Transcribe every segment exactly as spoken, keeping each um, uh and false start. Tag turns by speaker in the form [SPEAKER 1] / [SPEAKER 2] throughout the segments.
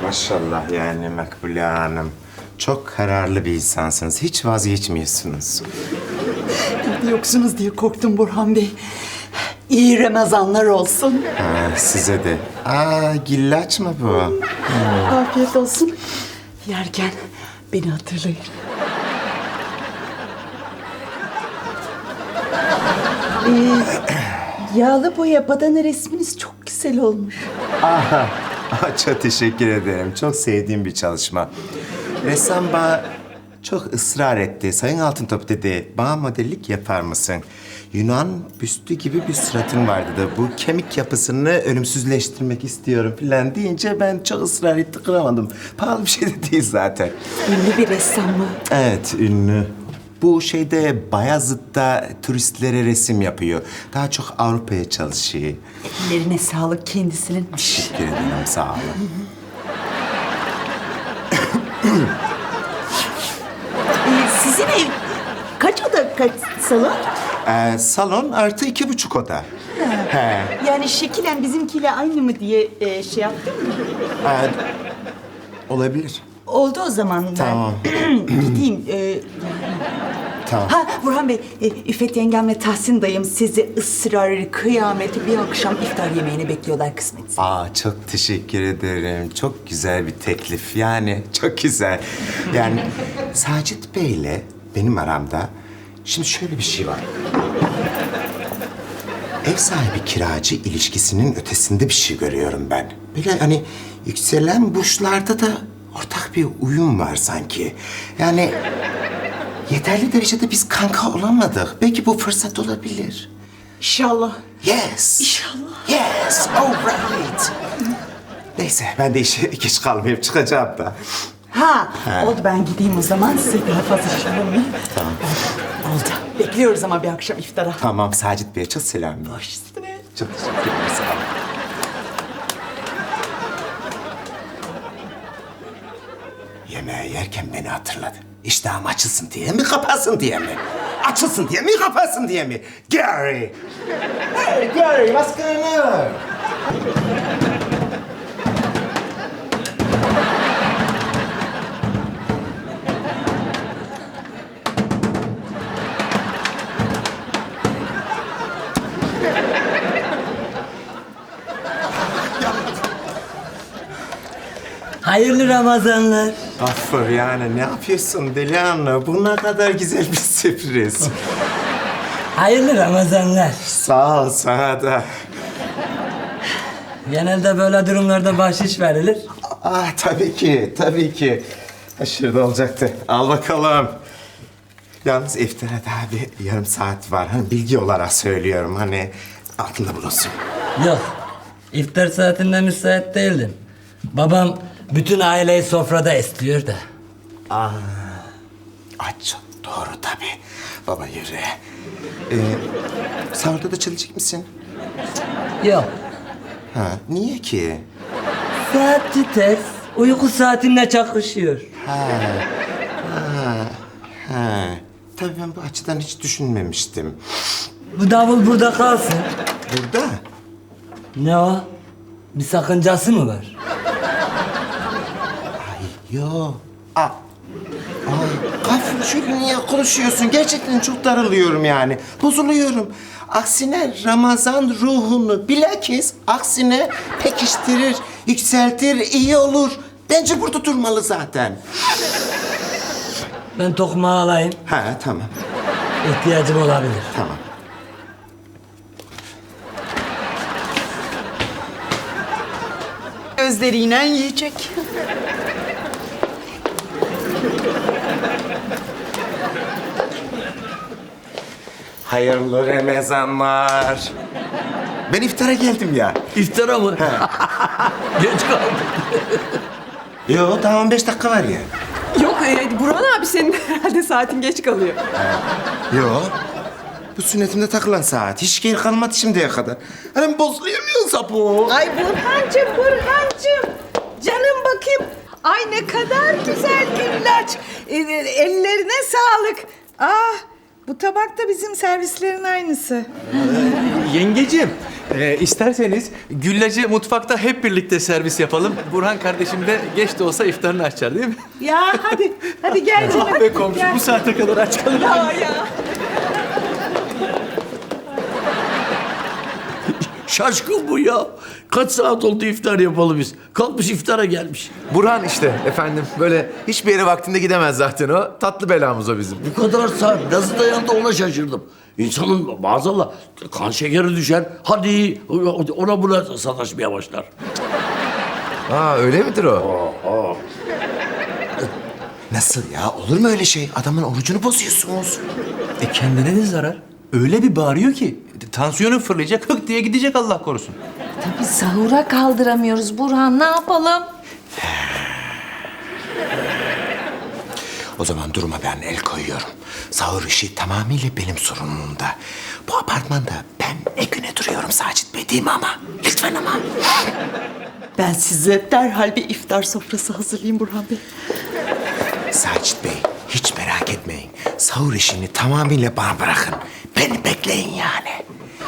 [SPEAKER 1] Maşallah yani Makbule Hanım. Çok kararlı bir insansınız. Hiç vazgeçmiyorsunuz.
[SPEAKER 2] Yoksunuz diye korktum Burhan Bey. İyi Ramazanlar olsun.
[SPEAKER 1] Ha, size de. Aa, gillaç mı bu?
[SPEAKER 2] Afiyet olsun. Yerken beni hatırlayın. Ee, yağlı boya badana resminiz çok güzel olmuş.
[SPEAKER 1] Aha, çok teşekkür ederim. Çok sevdiğim bir çalışma. Ressam bana çok ısrar etti. Sayın Altıntop dedi, bana modellik yapar mısın? Yunan büstü gibi bir suratın vardı da bu kemik yapısını ölümsüzleştirmek istiyorum falan deyince ben çok ısrar etti, kıramadım. Pahalı bir şey de değil zaten.
[SPEAKER 2] Ünlü bir ressam mı?
[SPEAKER 1] Evet, ünlü. Bu şeyde Bayazıt'ta turistlere resim yapıyor. Daha çok Avrupa'ya çalışıyor.
[SPEAKER 2] Ellerine sağlık kendisinin.
[SPEAKER 1] Teşekkür ederim, sağ olun.
[SPEAKER 2] Ee, sizin ev kaç oda kaç salon?
[SPEAKER 1] Ee, salon artı iki buçuk oda. He.
[SPEAKER 2] Yani şekilen bizimkiyle aynı mı diye e, şey yaptım mı?
[SPEAKER 1] Ee, olabilir.
[SPEAKER 2] Oldu o zaman ben
[SPEAKER 1] Tamam.
[SPEAKER 2] gideyim. Ee,
[SPEAKER 1] Tamam.
[SPEAKER 2] ha Burhan Bey, e, İffet yengem ve Tahsin dayım sizi ısrarlı kıyameti bir akşam iftar yemeğine bekliyorlar kısmet.
[SPEAKER 1] Aa, çok teşekkür ederim. Çok güzel bir teklif. Yani çok güzel. Yani Sacit Bey'le benim aramda şimdi şöyle bir şey var. Ev sahibi kiracı ilişkisinin ötesinde bir şey görüyorum ben. Böyle hani yükselen burçlarda da ortak bir uyum var sanki. Yani yeterli derecede biz kanka olamadık. Belki bu fırsat olabilir.
[SPEAKER 2] İnşallah.
[SPEAKER 1] Yes.
[SPEAKER 2] İnşallah.
[SPEAKER 1] Yes. All right. Neyse ben de işe geç kalmayıp çıkacağım da.
[SPEAKER 2] Ha, oldu ben gideyim o zaman size daha fazla şey olmayayım.
[SPEAKER 1] Tamam.
[SPEAKER 2] Oldu. Bekliyoruz ama bir akşam iftara.
[SPEAKER 1] Tamam, Sacit Bey'e çok selam.
[SPEAKER 2] Baş üstüne.
[SPEAKER 1] Çok teşekkür ederim. Sağ olun. Yemeği yerken beni hatırladı. İştahım açılsın diye mi, kapasın diye mi? Açılsın diye mi, kapasın diye mi? Gary! Hey Gary, what's going on?
[SPEAKER 3] Hayırlı Ramazanlar.
[SPEAKER 1] Affır yani ne yapıyorsun Deli Hanım? Bu ne kadar güzel bir sürpriz.
[SPEAKER 3] Hayırlı Ramazanlar.
[SPEAKER 1] Sağ ol sana da.
[SPEAKER 3] Genelde böyle durumlarda bahşiş verilir.
[SPEAKER 1] Ah tabii ki, tabii ki. Şurada olacaktı. Al bakalım. Yalnız iftara daha bir yarım saat var. Hani bilgi olarak söylüyorum. Hani aklında bulunsun.
[SPEAKER 3] Yok. İftar saatinde müsait değildim. Babam bütün aileyi sofrada istiyor da.
[SPEAKER 1] Aç. Doğru tabii. Baba yürü. Ee, sahurda da çalışacak mısın?
[SPEAKER 3] Yok.
[SPEAKER 1] Ha, niye ki?
[SPEAKER 3] Saati ters. Uyku saatimle çakışıyor.
[SPEAKER 1] Ha. Tabii ben bu açıdan hiç düşünmemiştim.
[SPEAKER 3] Bu davul burada kalsın.
[SPEAKER 1] Burada?
[SPEAKER 3] Ne o? Bir sakıncası mı var?
[SPEAKER 1] Yo. Aa. Ay, Gafur şöyle niye konuşuyorsun? Gerçekten çok darılıyorum yani. Bozuluyorum. Aksine Ramazan ruhunu bilakis aksine pekiştirir, yükseltir, iyi olur. Bence burada durmalı zaten.
[SPEAKER 3] Ben tokmağı alayım.
[SPEAKER 1] Ha tamam,
[SPEAKER 3] İhtiyacım olabilir.
[SPEAKER 1] tamam.
[SPEAKER 2] Gözleriyle yiyecek.
[SPEAKER 1] Hayırlı Ramazanlar. Ben iftara geldim ya.
[SPEAKER 3] İftara mı? Geç kaldım.
[SPEAKER 1] Yo, daha on beş dakika var ya.
[SPEAKER 4] Yok e, Burhan abi senin herhalde saatin geç kalıyor.
[SPEAKER 1] Yo. Bu sünnetimde takılan saat. Hiç geri kalmadı şimdiye kadar. Hani bozuluyamıyorsa bu.
[SPEAKER 4] Ay Burhancığım, Burhancığım. Canım bakayım. Ay ne kadar güzel güllaç. E, e, ellerine sağlık. Ah, bu tabak da bizim servislerin aynısı.
[SPEAKER 5] Yengeciğim, Ee, isterseniz güllacı mutfakta hep birlikte servis yapalım. Burhan kardeşim de geç de olsa iftarını açar değil mi?
[SPEAKER 4] Ya hadi, hadi gel canım.
[SPEAKER 5] Ah be komşu bu saate kadar aç kalır.
[SPEAKER 4] Ya ya.
[SPEAKER 6] Şaşkın bu ya. Kaç saat oldu iftar yapalı biz. Kalkmış iftara gelmiş.
[SPEAKER 7] Burhan işte efendim. Böyle hiçbir yere vaktinde gidemez zaten o. Tatlı belamız o bizim.
[SPEAKER 6] Bu kadar saat nasıl dayandı ona şaşırdım. İnsanın maazallah kan şekeri düşer. Hadi ona buna sataşmaya başlar.
[SPEAKER 7] Aa öyle midir o?
[SPEAKER 1] Nasıl ya? Olur mu öyle şey? Adamın orucunu bozuyorsunuz.
[SPEAKER 5] E kendine de zarar. Öyle bir bağırıyor ki tansiyonu fırlayacak, hık diye gidecek Allah korusun.
[SPEAKER 8] Tabii sahura kaldıramıyoruz Burhan. Ne yapalım?
[SPEAKER 1] O zaman duruma ben el koyuyorum. Sahur işi tamamıyla benim sorumluluğumda. Bu apartmanda ben ne güne duruyorum Sacit Bey değil mi ama? Lütfen ama.
[SPEAKER 2] Ben size derhal bir iftar sofrası hazırlayayım Burhan Bey.
[SPEAKER 1] Sacit Bey hiç merak etmeyin. Sahur işini tamamıyla bana bırakın. Beni bekleyin yani.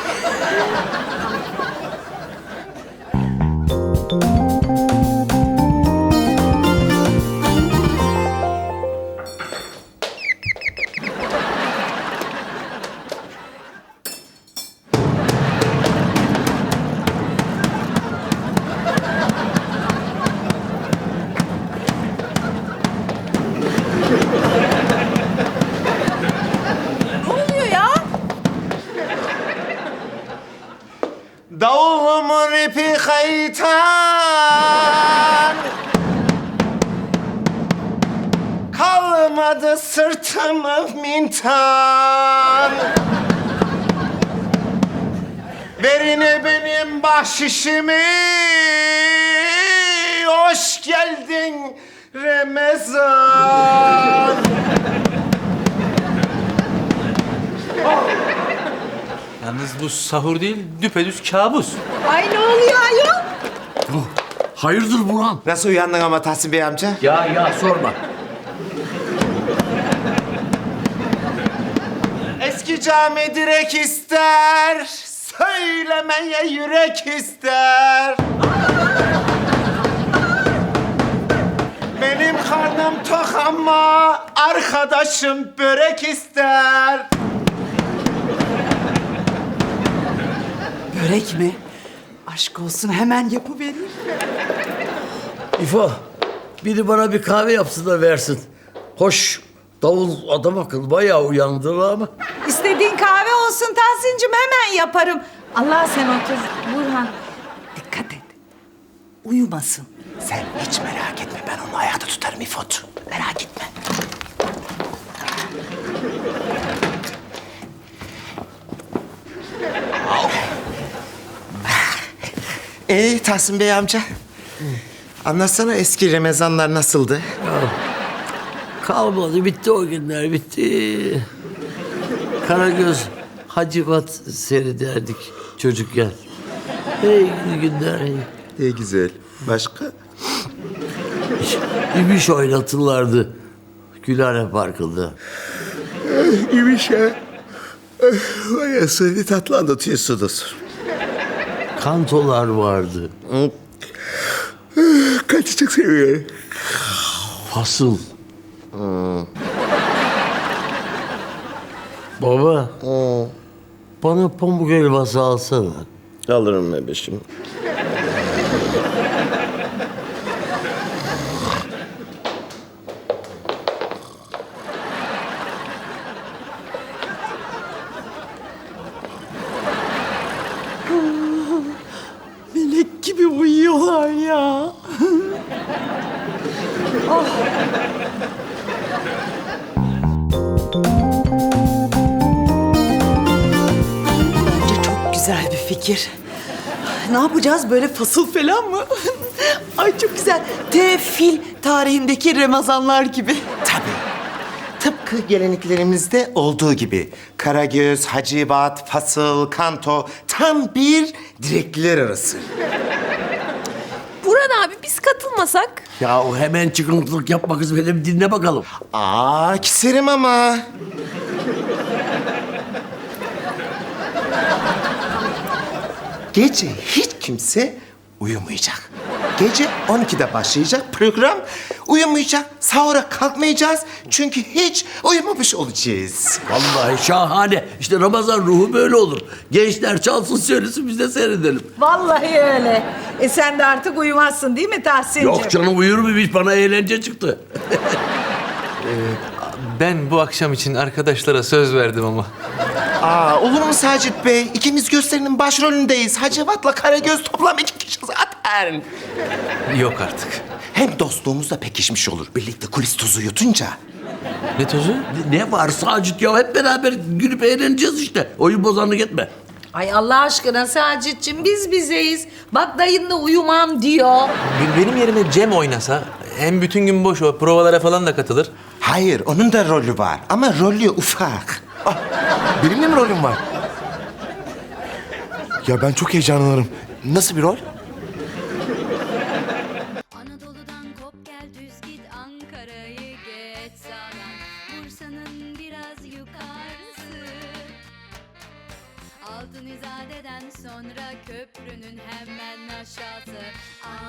[SPEAKER 1] Davulumun ipi kaytan, kalmadı sırtımı mintan. Verine benim bahşişimi, hoş geldin Ramazan.
[SPEAKER 5] Yalnız bu sahur değil, düpedüz kabus.
[SPEAKER 4] Ay ne oluyor ayol?
[SPEAKER 6] Hayırdır Burhan?
[SPEAKER 1] Nasıl uyandın ama Tahsin Bey amca?
[SPEAKER 6] Ya ya sorma.
[SPEAKER 1] Eski cami direk ister, söylemeye yürek ister. Benim karnım tok ama arkadaşım börek ister.
[SPEAKER 2] Börek mi? Aşk olsun hemen yapıvereyim.
[SPEAKER 6] İfo, biri bana bir kahve yapsın da versin. Hoş, davul adam akıllı bayağı uyandı ama.
[SPEAKER 4] İstediğin kahve olsun Tahsin'cim hemen yaparım.
[SPEAKER 8] Allah sen otur Burhan.
[SPEAKER 2] Dikkat et. Uyumasın.
[SPEAKER 1] Sen hiç merak etme, ben onu ayakta tutarım İfot. Merak etme. Ee Tahsin Bey amca. Anlatsana eski Ramazanlar nasıldı?
[SPEAKER 6] Kalmadı, bitti o günler, bitti. Karagöz, Hacivat seyrederdik çocukken. Hey gidi günler, hey.
[SPEAKER 1] İyi güzel. Başka?
[SPEAKER 6] İbiş oynatırlardı Gülhane Parkı'nda.
[SPEAKER 1] İyiymiş ya. Vay asıl tatlı anlatıyorsunuz.
[SPEAKER 6] Kantolar vardı.
[SPEAKER 1] Kaçı çok seviyorum.
[SPEAKER 6] Fasıl. Baba. Bana pamuk helvası alsana.
[SPEAKER 1] Alırım bebeşim.
[SPEAKER 2] Melek gibi uyuyorlar ya. Bence çok güzel bir fikir. Ne yapacağız böyle fasıl falan mı? Ay çok güzel. Tefil tarihindeki Ramazanlar gibi.
[SPEAKER 1] Tabii. Tıpkı geleneklerimizde olduğu gibi. Karagöz, Hacivat, Fasıl, Kanto tam bir direkliler arası.
[SPEAKER 8] Burhan abi biz katılmasak?
[SPEAKER 6] Ya o hemen çıkıntılık yapma kız benim dinle bakalım.
[SPEAKER 1] Aa, keserim ama. Gece hiç kimse uyumayacak. Gece on ikide başlayacak program. Uyumayacak, sahura kalkmayacağız. Çünkü hiç uyumamış olacağız.
[SPEAKER 6] Vallahi şahane. İşte Ramazan ruhu böyle olur. Gençler çalsın söylesin biz de seyredelim.
[SPEAKER 4] Vallahi öyle. E sen de artık uyumazsın değil mi Tahsin'cim?
[SPEAKER 6] Yok canım uyur mu hiç bana eğlence çıktı.
[SPEAKER 5] Ben bu akşam için arkadaşlara söz verdim ama.
[SPEAKER 1] Aa, olur mu Sacit Bey? İkimiz gösterinin başrolündeyiz. Hacivat'la Karagöz toplam iki kişi zaten.
[SPEAKER 5] Yok artık.
[SPEAKER 1] Hem dostluğumuz da pekişmiş olur. Birlikte kulis tozu yutunca.
[SPEAKER 5] Ne tozu?
[SPEAKER 6] Ne var Sacit ya hep beraber gülüp eğleneceğiz işte. Oyun bozanlık etme.
[SPEAKER 8] Ay Allah aşkına Sacit'cim biz bizeyiz. Bak dayın da uyumam diyor.
[SPEAKER 5] Be- Benim yerime Cem oynasa hem bütün gün boş o provalara falan da katılır.
[SPEAKER 1] Hayır, onun da rolü var. Ama rolü ufak.
[SPEAKER 7] Ah, benim de mi rolüm var? Ya ben çok heyecanlanırım. Nasıl bir rol?
[SPEAKER 9] Anadolu'dan kop gel düz git Ankara'yı geç sağdan Bursa'nın biraz yukarısı Altın İzade'den sonra köprünün hemen aşağısı